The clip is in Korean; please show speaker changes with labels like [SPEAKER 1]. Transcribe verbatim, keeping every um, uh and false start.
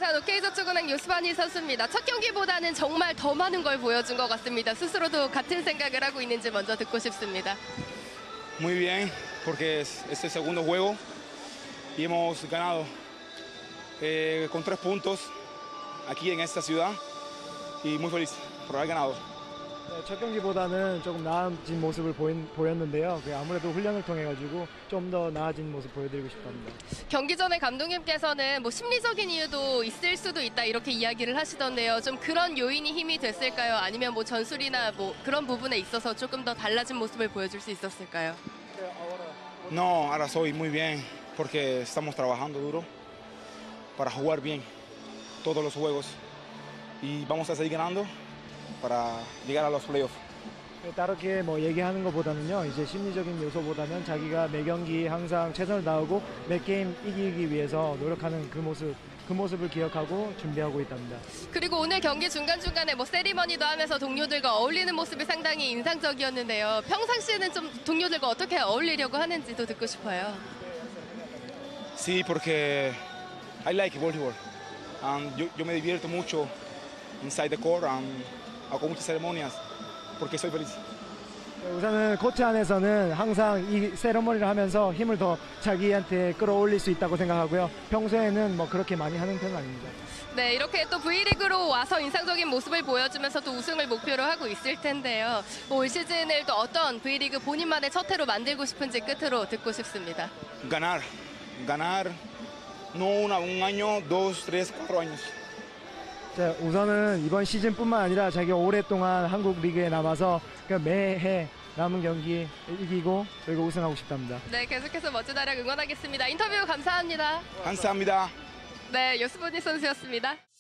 [SPEAKER 1] 부산 오케이저축은행 요스바니 선수입니다. 첫 경기보다는 정말 더 많은 걸 보여준 것 같습니다. 스스로도 같은 생각을 하고 있는지 먼저 듣고 싶습니다.
[SPEAKER 2] Muy bien, porque es, es el segundo juego y hemos ganado eh, con tres puntos aquí en esta ciudad y muy feliz por haber ganado.
[SPEAKER 3] 네, 첫 경기보다는 조금 나아진 모습을 보인, 보였는데요. 아무래도 훈련을 통해 가지고 좀 더 나아진 모습 보여드리고 싶답니다.
[SPEAKER 1] 경기 전에 감독님께서는 뭐 심리적인 이유도 있을 수도 있다 이렇게 이야기를 하시던데요. 좀 그런 요인이 힘이 됐을까요? 아니면 뭐 전술이나 뭐 그런 부분에 있어서 조금 더 달라진 모습을 보여줄 수 있었을까요?
[SPEAKER 2] No, ahora soy muy bien porque estamos trabajando duro para jugar bien todos los juegos y vamos a seguir ganando para llegar a los playoffs.
[SPEAKER 3] 다르게 뭐 얘기하는 것보다는요, 이제 심리적인 요소보다는 자기가 매 경기 항상 최선을 다하고 매 게임 이기기 위해서 노력하는 그 모습, 그 모습을 기억하고 준비하고 있답니다.
[SPEAKER 1] 그리고 오늘 경기 중간중간에 뭐 세리머니도 하면서 동료들과 어울리는 모습이 상당히 인상적이었는데요. 평상시에는 좀 동료들과 어떻게 어울리려고 하는지도 듣고 싶어요.
[SPEAKER 2] Sí, porque I like volleyball. Um, yo, yo me divierto mucho inside the court and hago muchas ceremonias porque soy feliz.
[SPEAKER 3] 우선은 코트 안에서는 항상 이 세레머니를 하면서 힘을 더 자기한테 끌어올릴 수 있다고 생각하고요. 평소에는 뭐 그렇게 많이 하는 편은 아닙니다.
[SPEAKER 1] 네, 이렇게 또 V리그로 와서 인상적인 모습을 보여주면서 또 우승을 목표로 하고 있을 텐데요. 올 시즌을 또 어떤 V리그 본인만의 첫 해로 만들고 싶은지 끝으로 듣고 싶습니다.
[SPEAKER 2] Ganar, ganar no una, un año, dos, tres, cuatro años.
[SPEAKER 3] 자, 우선은 이번 시즌뿐만 아니라 자기가 오랫동안 한국 리그에 남아서 매해 남은 경기 이기고 그리고 우승하고 싶답니다.
[SPEAKER 1] 네, 계속해서 멋진 활약 응원하겠습니다. 인터뷰 감사합니다.
[SPEAKER 2] 감사합니다.
[SPEAKER 1] 네, 요스바니 선수였습니다.